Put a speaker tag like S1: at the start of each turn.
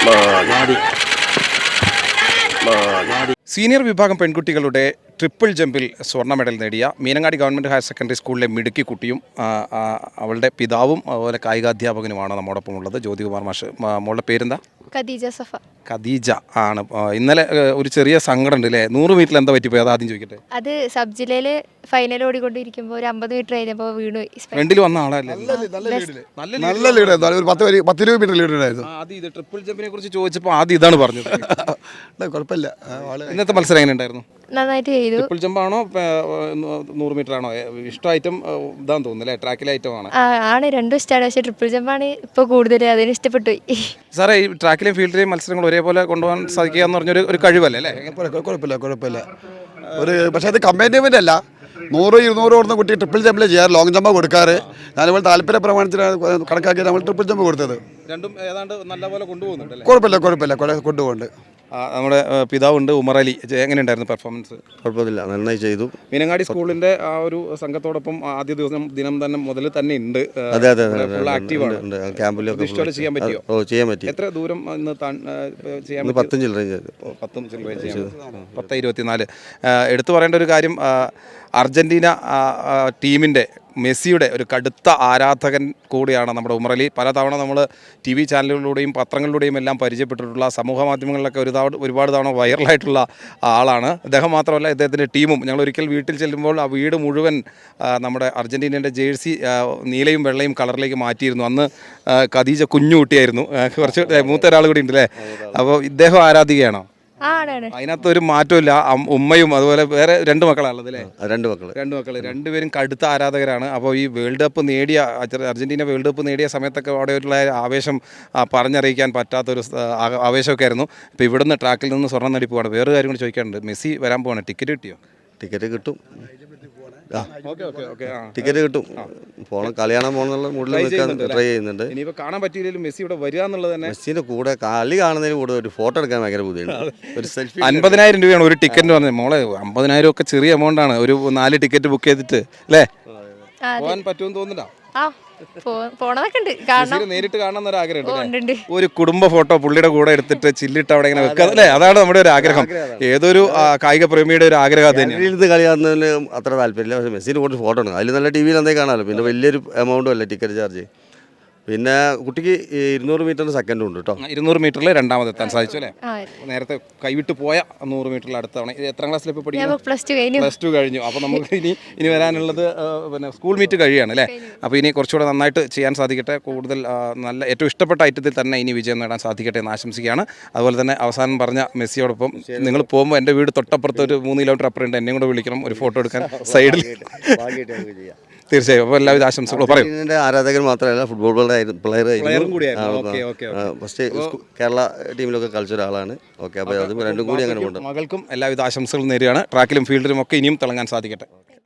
S1: Senior വിഭാഗം പെൺകുട്ടികളുടെ triple ജമ്പിൽ സ്വർണ്ണ മെഡൽ നേടിയ മീനങ്ങാടി ഗവൺമെൻറ് ഹയർ സെക്കൻഡറി സ്കൂളിലെ മിടുക്കി കുട്ടിയും അവളുടെ പിതാവും അതുപോലെ കായികാധ്യാപകനുമാണ് നമ്മോടൊപ്പം ഉള്ളത്. ജ്യോതികുമാർ മാഷ്. മോളുടെ പേരെന്താ?
S2: ഖദീജ സഫ.
S1: ഖദീജ ആണ്. ഇന്നലെ ഒരു ചെറിയ സങ്കടം ഉണ്ട് അല്ലേ? 100 മീറ്ററിൽ എന്താ പറ്റിപ്പോയി? അത് ആദ്യം ചോദിക്കട്ടെ.
S2: അത് സബ് ജില്ലയില് ഫൈനൽ ഓടിക്കൊണ്ടിരിക്കുമ്പോൾ ഒരു 50 മീറ്റർ കഴിഞ്ഞപ്പോൾ വീണു.
S1: ഫ്രണ്ടിൽ വന്ന ആളല്ലേ?
S3: നല്ല ലീഡ്, ഒരു 10-20 മീറ്റർ ലീഡ് ഉണ്ടായിരുന്നു.
S1: ആദ്യം ഇത് ട്രിപ്പിൾ ജമ്പിനെ കുറിച്ച് ചോദിച്ചപ്പോൾ ആദ്യം ഇതാണ് പറഞ്ഞത്.
S3: കുഴപ്പമില്ല.
S1: ഇന്നത്തെ മത്സരം എങ്ങനെ ഉണ്ടായിരുന്നു?
S2: നന്നായിട്ട് ചെയ്തു.
S1: ട്രിപ്പിൾ ജമ്പ് ആണോ 100 മീറ്റർ ആണോ ഇഷ്ടം? ഐറ്റം ഇതാന്ന് തോന്നുന്നു അല്ലേ? ട്രാക്കിലെ ഐറ്റം ആണ്.
S2: ആണ്, രണ്ടും ഇഷ്ടമാണ്. പക്ഷേ ട്രിപ്പിൾ ജമ്പാണ് ഇപ്പോൾ കൂടുതൽ, അതിന് ഇഷ്ടപ്പെട്ടു.
S1: സാറേ, ഈ ട്രാക്കിലെയും ഫീൽഡിലെയും മത്സരങ്ങൾ ഒരേപോലെ കൊണ്ടുപോകാൻ സാധിക്കുക എന്ന് പറഞ്ഞൊരു കഴിവല്ലേ അല്ലേ?
S3: കുഴപ്പമില്ല. പക്ഷേ അത് കമ്പാരിറ്റീവ്മെൻ്റ് അല്ല. 100-200 ഓടുന്ന കുട്ടി ട്രിപ്പിൾ ജമ്പിൽ ചെയ്യാറ്, ലോങ് ജമ്പ് കൊടുക്കാറ്. ഞാനിപ്പോൾ താല്പര്യ പ്രമാണത്തിന് കണക്കാക്കി നമ്മൾ ട്രിപ്പിൾ ജമ്പ് കൊടുത്തത്.
S1: രണ്ടും ഏതാണ്ട് നല്ലപോലെ കൊണ്ടുപോകുന്നുണ്ട്.
S3: കുഴപ്പമില്ല കൊണ്ടുപോകുന്നുണ്ട്.
S1: നമ്മുടെ പിതാവുണ്ട് ഉമർ അലി. എങ്ങനെയുണ്ടായിരുന്നു പെർഫോമൻസ്?
S3: കുഴപ്പമില്ല, നന്നായി ചെയ്തു.
S1: മീനങ്ങാടി സ്കൂളിന്റെ ആ ഒരു സംഘത്തോടൊപ്പം ആദ്യ ദിനം തന്നെ മുതൽ തന്നെ ഉണ്ട്.
S3: അതെ,
S1: ആക്റ്റീവാണ്.
S3: ക്യാമ്പിലൊക്കെ
S1: ചെയ്യാൻ പറ്റിയോ?
S3: ചെയ്യാൻ പറ്റി.
S1: എത്ര ദൂരം ചെയ്യാൻ?
S3: 10 ചില്ലറ
S1: 10:24. എടുത്തു പറയേണ്ട ഒരു കാര്യം, അർജന്റീന ടീമിൻ്റെ മെസ്സിയുടെ ഒരു കടുത്ത ആരാധകൻ കൂടിയാണ് നമ്മുടെ ഉമർ അലി. പലതവണ നമ്മൾ TV ചാനലുകളിലൂടെയും പത്രങ്ങളിലൂടെയും എല്ലാം പരിചയപ്പെട്ടിട്ടുള്ള, സമൂഹ മാധ്യമങ്ങളിലൊക്കെ ഒരുപാട് തവണ വൈറലായിട്ടുള്ള ആളാണ്. അദ്ദേഹം മാത്രമല്ല, ഇദ്ദേഹത്തിൻ്റെ ടീമും. ഞങ്ങൾ ഒരിക്കൽ വീട്ടിൽ ചെല്ലുമ്പോൾ ആ വീട് മുഴുവൻ നമ്മുടെ അർജന്റീനയുടെ ജേഴ്സി നീലയും വെള്ളയും കളറിലേക്ക് മാറ്റിയിരുന്നു. അന്ന് ഖദീജ കുഞ്ഞു കുട്ടിയായിരുന്നു. കുറച്ച് മൂത്ത ഒരാൾ കൂടി ഉണ്ട് അല്ലേ? അപ്പോൾ ഇദ്ദേഹം ആരാധികയാണോ? അതിനകത്ത് ഒരു മാറ്റമില്ല. ഉമ്മയും അതുപോലെ വേറെ 2 മക്കളാണുള്ളത് അല്ലേ? 2 മക്കൾ. രണ്ടുപേരും കടുത്ത ആരാധകരാണ്. അപ്പോൾ ഈ വേൾഡ് കപ്പ് നേടിയ അർജന്റീന വേൾഡ് കപ്പ് നേടിയ സമയത്തൊക്കെ അവിടെയുള്ള ആവേശം പറഞ്ഞറിയിക്കാൻ പറ്റാത്തൊരു ആവേശമൊക്കെ ആയിരുന്നു. ഇപ്പോൾ ഇവിടുന്ന് ട്രാക്കിൽ നിന്ന് സ്വർണ്ണം നേടി പോവാണ്. വേറൊരു കാര്യം കൂടി ചോദിക്കാനുണ്ട്. മെസ്സി വരാൻ പോവാണ്. ടിക്കറ്റ് കിട്ടിയോ?
S3: ടിക്കറ്റ് കിട്ടും. ടിക്കറ്റ് കിട്ടും. പോകണം, കളി കാണാൻ പോകണമെന്നുള്ള മൂഡിൽ ട്രൈ ചെയ്യുന്നുണ്ട്.
S1: ഇനിയിപ്പോൾ കാണാൻ പറ്റിയില്ലെങ്കിലും മെസ്സി ഇവിടെ വരിക എന്നുള്ളത് തന്നെ.
S3: മെസ്സിന്റെ കൂടെ കളി കാണുന്നതിന് കൂടെ ഒരു ഫോട്ടോ എടുക്കാൻ ഭയങ്കര ബുദ്ധിമുട്ടാണ്. ഒരു സെൽഫി
S1: 50,000 രൂപയാണ് ഒരു ടിക്കറ്റ് പറഞ്ഞത്. മോളെ, 50,000 ഒക്കെ ചെറിയ എമൗണ്ട് ആണ്. ഒരു 4 ടിക്കറ്റ് ബുക്ക് ചെയ്തിട്ട് അല്ലേ? പോകാൻ പറ്റുമെന്ന് തോന്നുന്നുണ്ടോ?
S2: പോണതൊക്കെ ഉണ്ട്. കാരണം
S1: നേരിട്ട് കാണണം എന്നൊരു ആഗ്രഹം. ഒരു കുടുംബ ഫോട്ടോ പുള്ളിയുടെ കൂടെ എടുത്തിട്ട് ചില്ലിട്ട് അവിടെ ഇങ്ങനെ വെക്കുക അല്ലേ? അതാണ് നമ്മുടെ ഒരു ആഗ്രഹം. ഏതൊരു കായിക പ്രേമിയുടെ ഒരു ആഗ്രഹം തന്നെ.
S3: കളി കാണുന്നതിന് അത്ര താല്പര്യമില്ല. പക്ഷേ മെസ്സിന് കുറച്ച് ഫോട്ടോ ഉണ്ട്. അതിൽ നല്ല TV എന്തേ കാണാമല്ലോ. പിന്നെ വലിയൊരു എമൗണ്ടും അല്ല ടിക്കറ്റ് ചാർജ്. പിന്നെ കുട്ടിക്ക് 200 മീറ്ററിന് സെക്കൻഡും ഉണ്ട് കേട്ടോ.
S1: 200 മീറ്ററിൽ രണ്ടാമതെത്താൻ സാധിച്ചു അല്ലേ? നേരത്തെ കൈവിട്ട് പോയ 100 മീറ്ററിൽ അടുത്ത തവണ. എത്രാം ക്ലാസ്സിൽ ഇപ്പോൾ പഠിക്കുന്നു? +2 കഴിഞ്ഞു. അപ്പോൾ നമുക്ക് ഇനി വരാനുള്ളത് പിന്നെ സ്കൂൾ മീറ്റ് കഴിയാണ് അല്ലേ? അപ്പോൾ ഇനി കുറച്ചുകൂടെ നന്നായിട്ട് ചെയ്യാൻ സാധിക്കട്ടെ. കൂടുതൽ നല്ല ഏറ്റവും ഇഷ്ടപ്പെട്ട ഐറ്റത്തിൽ തന്നെ ഇനി വിജയം നേടാൻ സാധിക്കട്ടെ എന്ന് ആശംസിക്കുകയാണ്. അതുപോലെ തന്നെ അവസാനം പറഞ്ഞ മെസ്സിയോടൊപ്പം നിങ്ങൾ പോകുമ്പോൾ എൻ്റെ വീട് തൊട്ടപ്പുറത്ത് ഒരു 3 കിലോമീറ്റർ അപ്പുറമുണ്ട്, എന്നെയും കൂടെ വിളിക്കണം ഒരു ഫോട്ടോ എടുക്കാൻ സൈഡിൽ. തീർച്ചയായും. അപ്പോൾ എല്ലാവിധ ആശംസകളും പറയും.
S3: ആരാധകർ മാത്രമല്ല, ഫുട്ബോൾ പ്ലെയറും
S1: കൂടിയായിരുന്നു.
S3: ഫസ്റ്റ് കേരള ടീമിലൊക്കെ കളിച്ച ഒരാളാണ്. ഓക്കെ, അപ്പോൾ അതും രണ്ടും കൂടി അങ്ങനെ കൊണ്ട്
S1: മകൾക്കും എല്ലാവിധ ആശംസകളും നേരുകയാണ്. ട്രാക്കിലും ഫീൽഡിലും ഒക്കെ ഇനിയും തിളങ്ങാൻ സാധിക്കട്ടെ.